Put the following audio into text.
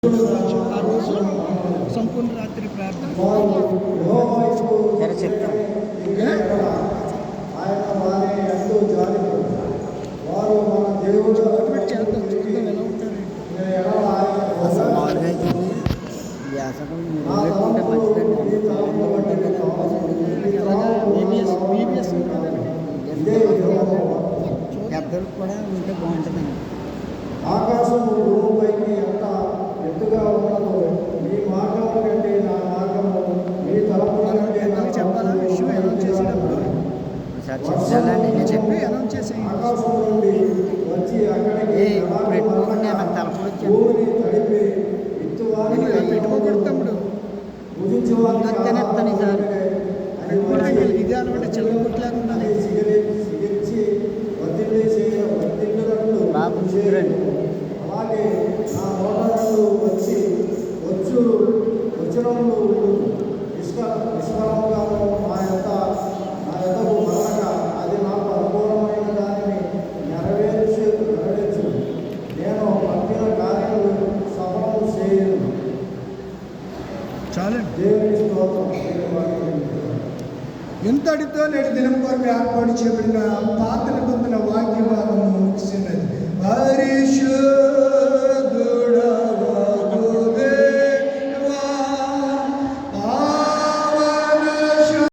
ఆ రోజు సంపూర్ణ రాత్రి ప్రార్థన సరే చెప్తాను. చేద్దాం చూద్దాం ఎలా ఉంటారు అసలు మామూలుగా అయితే వ్యాసకం పెట్టుకుంటే మంచిదండి. ప్రాబ్లంలో ఉంటుంది కదా బీబీఎస్ పెద్దలకు కూడా ఉంటే బాగుంటుందండి. ఆకాశం భూమిపైకి ఎంత ఎత్తుగా ఉన్నదో మీ మార్గం కంటే నా మార్గము మీ తలపుల కంటే నా చెప్పాలా విషయం అనౌన్స్ చేసేటప్పుడు ఒకసారి చెప్తానండి. నేను చెప్పి అనౌన్స్ చేసే ఆకాశం నుండి వచ్చి అక్కడికి పెట్టుకోకుండా నాకు తలపుడు వచ్చాను. భూమిని తడిపి విత్తువారిని పెట్టుకోకూడదు తమ్ముడు తినేస్తాను ఈసారి. ఇది అనమాట చిల్లర కొట్టలేక ఉండాలి సిగిరించి వర్తిల్లినట్లు బాబు చూడండి. అలాగే నా మోటార్లు వచ్చినప్పుడు నిష్ఫలముగాను నా యొద్దకు మరలక అది నాకు అనుకూలమైన దానిని నెరవేర్చు నేను పంపిన కార్యములు సఫలం చేయను. చాలండి దేవుని స్తోత్రం. ఎంతటితో నేటి దినం కొరకు ఏర్పాటు చేయబడిన పాత నిబంధన వాక్య భాగము ముగిసినది.